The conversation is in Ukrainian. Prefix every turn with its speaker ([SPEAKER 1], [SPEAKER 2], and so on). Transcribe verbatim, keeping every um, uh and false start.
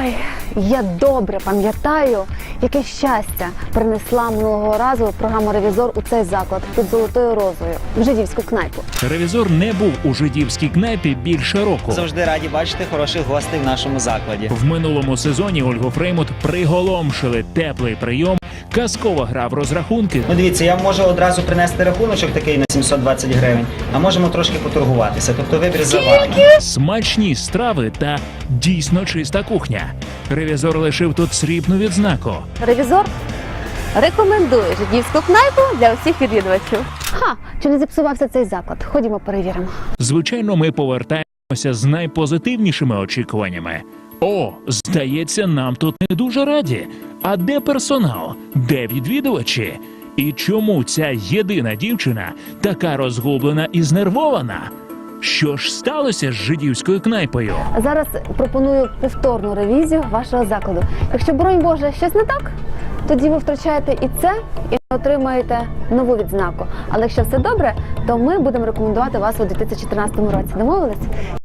[SPEAKER 1] Ой, я добре пам'ятаю, яке щастя принесла минулого разу програма «Ревізор» у цей заклад під Золотою Розою, в жидівську кнайпу.
[SPEAKER 2] Ревізор не був у жидівській кнайпі більше року.
[SPEAKER 3] Завжди раді бачити хороших гостей в нашому закладі.
[SPEAKER 2] В минулому сезоні Ольгу Фреймут приголомшили теплий прийом, казкова гра в розрахунки
[SPEAKER 3] Ну дивіться, я можу одразу принести рахуночок такий на сімсот двадцять гривень, а можемо трошки поторгуватися. Тобто вибір за вами.
[SPEAKER 2] смачні страви та дійсно чиста кухня. Ревізор лишив тут срібну відзнаку.
[SPEAKER 1] «Ревізор» рекомендує жидівську кнайпу для усіх відвідувачів. Ха, чи не зіпсувався цей заклад? Ходімо перевіримо.
[SPEAKER 2] Звичайно, ми повертаємося з найпозитивнішими очікуваннями. О, здається, нам тут не дуже раді. А де персонал? Де відвідувачі? І чому ця єдина дівчина така розгублена і знервована? Що ж сталося з жидівською кнайпою?
[SPEAKER 1] Зараз пропоную повторну ревізію вашого закладу. Якщо, боронь Боже, щось не так, тоді ви втрачаєте і це, і отримаєте нову відзнаку. Але якщо все добре, то ми будемо рекомендувати вас у дві тисячі тринадцятому році. Домовились?